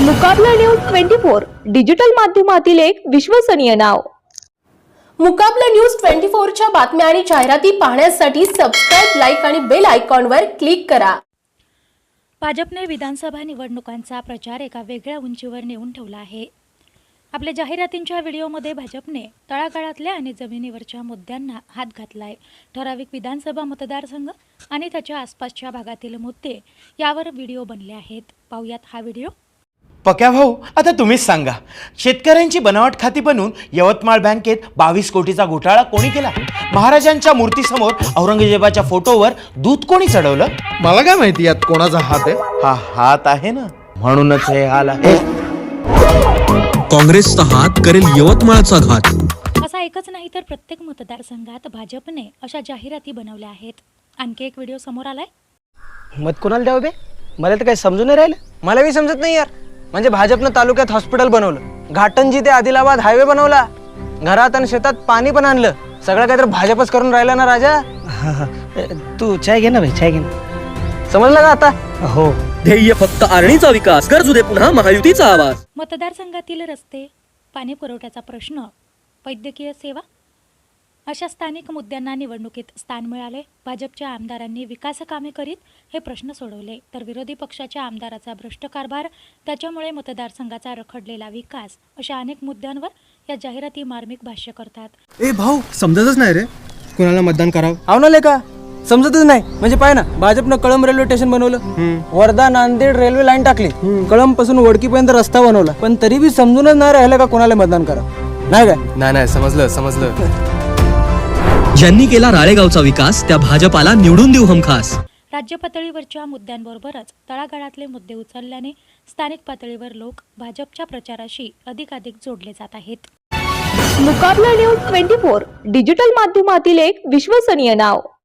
मुकाबला news 24 digital माध्यमातील एक विश्वसनीय नाव। मुकाबला न्यूज 24 च्या बातम्या आणि जाहिराती पाहण्यासाठी सबस्क्राइब, लाईक आणि बेल आयकॉनवर क्लिक करा। भाजपने विधानसभा निवडणुकांचा प्रचार एका वेगळ्या उंचीवर नेऊन ठेवला आहे। आपल्या जाहिरातींच्या व्हिडिओमध्ये भाजपने तळागाळातल्या आणि जमिनीवरच्या मुद्द्यांना हात घातलाय। ठराविक विधानसभा मतदारसंघ आणि त्याच्या आसपासच्या भागातील मुद्दे यावर व्हिडिओ बनले आहेत। पाहूयात हा व्हिडिओ। पक्या भाऊ, आता तुम्हीच सांगा, शेतकऱ्यांची बनावट खाती बनवून यवतमाळ बँकेत 22 कोटीचा घोटाळा कोणी केला? महाराजांच्या मूर्तीसमोर औरंगजेबाच्या फोटोवर दूध कोणी चढवलं? मला काय माहिती यात कोणाचा हात आहे? हा हात आहे ना, म्हणूनच हे हाल आहे। काँग्रेसचा हात करेल यवतमाळचा घात। असा एकच नाही तर प्रत्येक मतदारसंघात भाजपने अशा जाहिराती बनवल्या आहेत। आणखी एक व्हिडिओ समोर आलाय। मत कोणाला द्यावं बे? मला तर काही समजून नाही राहिलं। मला बी समजत नाही यार। म्हणजे भाजपनं तालुक्यात हॉस्पिटल बनवलं, घाटंजी ते आदिलाबाद हायवे बनवला, घरात आणि शेतात पाणी पण आणलं। सगळं काही तर भाजपच करून राहिला ना राजा। तू चाय घे ना भाई, चाय घे ना। समजलं का आता? हो, ध्येय फक्त आरणीचा विकास, गरजू दे पुन्हा महायुतीचा आवाज। मतदारसंघातील रस्ते, पाणी पुरवठ्याचा प्रश्न, वैद्यकीय सेवा अशा स्थानिक मुद्द्यांना निवडणुकीत स्थान मिळाले। भाजपच्या आमदारांनी विकास कामे करीत हे प्रश्न सोडवले, तर विरोधी पक्षाच्या आमदाराचा भ्रष्ट कारभार, त्याच्यामुळे मतदारसंघाचा रखडलेला विकास अशा अनेक मुद्द्यांवर या जाहिराती मार्मिक भाष्य करतात। ए भाऊ, समजतच नाही रे कोणाला मतदान करावं। आवनाले का समजतच नाही? म्हणजे पाय ना, भाजपनं कळंब रेल्वे स्टेशन बनवलं, वर्धा नांदेड रेल्वे लाईन टाकली, कळंब पासून वडकीपर्यंत रस्ता बनवला, पण तरी बी समजूनच नाही राहिलं का कोणाला मतदान करावं। नाही काय? नाही समजलं। ज्यांनी केला राळेगावचा विकास त्या भाजपाला निवडून देऊ हमखास। राज्य पातळीवरच्या मुद्द्यांबरोबरच तळागाळातले मुद्दे उचलल्याने स्थानिक पातळीवर लोक भाजपच्या प्रचाराशी अधिकाधिक जोडले जात आहेत। मुकाबला न्यूज 24 डिजिटल माध्यमातील एक विश्वसनीय नाव।